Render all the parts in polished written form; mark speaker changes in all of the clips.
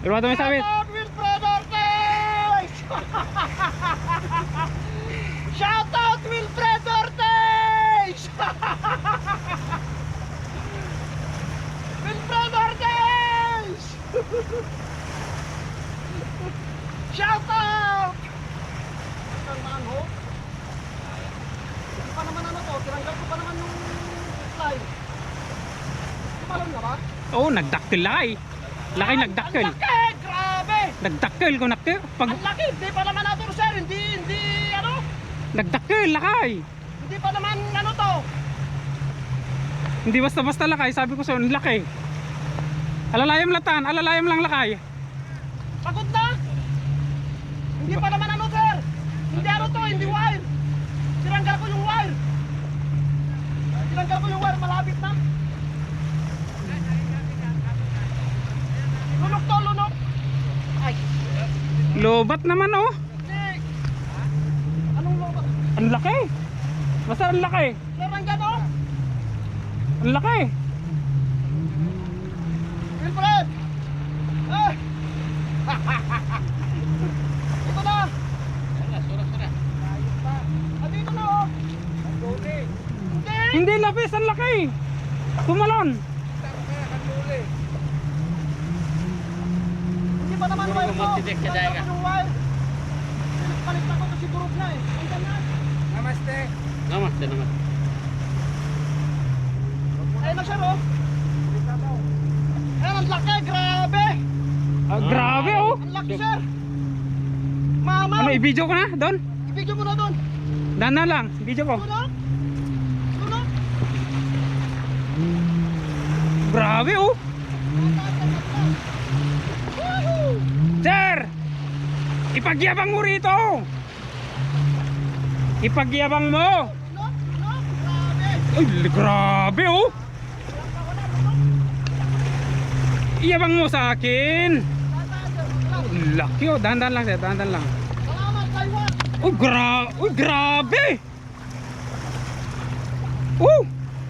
Speaker 1: Pero ano may sabi?
Speaker 2: Shout out Wilfred Ortiz! Wilfred Ortiz! Shout out! Ang manho? Hindi pa naman ano to, tinanggal ko pa naman yung slide. Tumalon na ba?
Speaker 1: Oo, nagdaktil lakay. Laki nagdaktil.
Speaker 2: Ang laki! Grabe!
Speaker 1: Nagdaktil ko nakti. Pag
Speaker 2: Ang laki! Hindi pa naman nato sir, hindi ano?
Speaker 1: nagdaktil lakay.
Speaker 2: Hindi pa naman ano to?
Speaker 1: Hindi basta-basta lakay, sabi ko sa ang laki. Alalayam latan, alalayam lang lakay.
Speaker 2: Pagod na! Hindi pa naman ano sir! Hindi ano to, hindi wire! Tinanggal ko yung wire! Tinanggal ko yung wire, malapit na! Lunok to, lunok! Ay!
Speaker 1: Lobat naman oh.
Speaker 2: Hindi! Anong lobat?
Speaker 1: Ang laki. Basta ang laki.
Speaker 2: Sir, nandyan oh!
Speaker 1: Ang laki.
Speaker 2: Wilfred! Eh! Ito na! Ah, dito na oh! Hindi!
Speaker 1: Hindi lapis, ang laki. Tumalon.
Speaker 2: Hindi pa naman wire ko! Tinanggal ko yung wire! Palit na ko kasi durog na eh! Andyan na!
Speaker 1: Namaste, namaste.
Speaker 2: Ayun na sir oh! Ayun ang laki! Grabe!
Speaker 1: Grabe oh.
Speaker 2: Ang laki sir! Mama!
Speaker 1: Ano, i-video ko na doon?
Speaker 2: I-video mo na doon!
Speaker 1: Dana lang, video ko.
Speaker 2: Doon oh! Doon oh!
Speaker 1: Grabe oh.
Speaker 2: Woohoo!
Speaker 1: Sir! Ipagyabang mo rito. Ipagyabang mo.
Speaker 2: Look! Look! Grabe!
Speaker 1: Ay, grabe oh. Iyabang mo sa akin. Laki oh, dahan lang sir, dahan lang.
Speaker 2: Salamat Taiwan!
Speaker 1: Uy, grabe. Oh.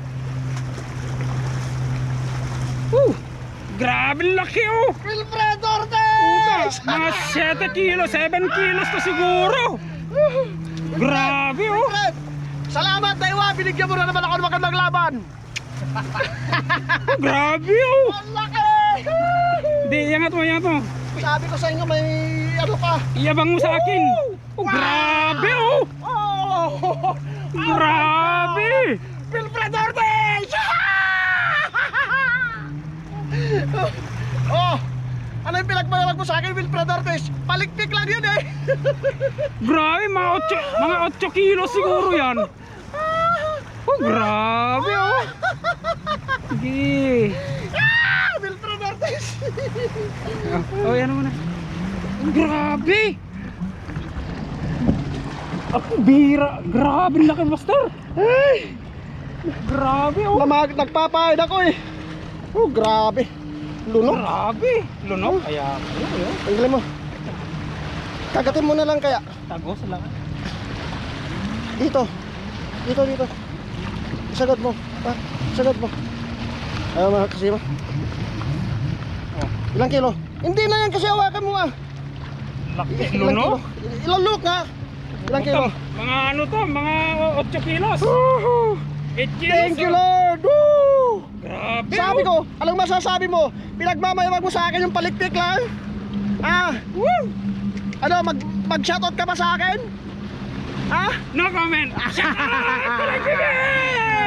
Speaker 1: Grabe laki oh.
Speaker 2: Wilfred Ortiz!
Speaker 1: Mga 7 kilos, 7 kilos to siguro. Grabe oh.
Speaker 2: Wilfred! Salamat Taiwan! Binigyan mo na naman ako ng magandang laban!
Speaker 1: Grabe oh.
Speaker 2: Ang laki!
Speaker 1: Di, iangat mo, iangat mo.
Speaker 2: Sabi ko sa inyo may ano ka!
Speaker 1: Iyabang mo sa akin. Grabe oh.
Speaker 2: Oh!
Speaker 1: Grabe.
Speaker 2: Wilfred Ortiz! Oh! Ano yung pinagmalag mo sa akin, Wilfred Ortiz? Palikpik lang yun eh!
Speaker 1: Grabe, mga 8 kilos siguro yan. Grabe oh. Sige.
Speaker 2: Wilfred Ortiz!
Speaker 1: Oh, yan mo na. Grabe. Bira. Grabe laki master.
Speaker 2: Ay!
Speaker 1: Grabe oh.
Speaker 2: Nagpapahid ako eh! Oh, grabe! Lunok!
Speaker 1: Grabe. Lunok. Kaya.
Speaker 2: Tanggalin mo. Kagatin mo na lang kaya.
Speaker 1: Tagos lang.
Speaker 2: Dito. Dito. Isagad mo. Ha? Isagad mo. Ayaw mga kasi mo.
Speaker 1: Oh.
Speaker 2: Ilang kilo? Hindi na yan kasi hawakan mo ah.
Speaker 1: Laki.
Speaker 2: Ilang kilo?
Speaker 1: Lunok.
Speaker 2: Ilang look nga. Ilang kilo?
Speaker 1: Mga ano to, mga 8 kilos. 8 kilos.
Speaker 2: Thank you Lord! Woo!
Speaker 1: Grabe.
Speaker 2: Sabi
Speaker 1: oh.
Speaker 2: ko, anong masasabi mo? Pinagmamayawag mo sa akin yung palikpik lang? Ah? Woo! Ano, mag-shoutout ka ba sa akin? Ha?
Speaker 1: No comment. Shout out.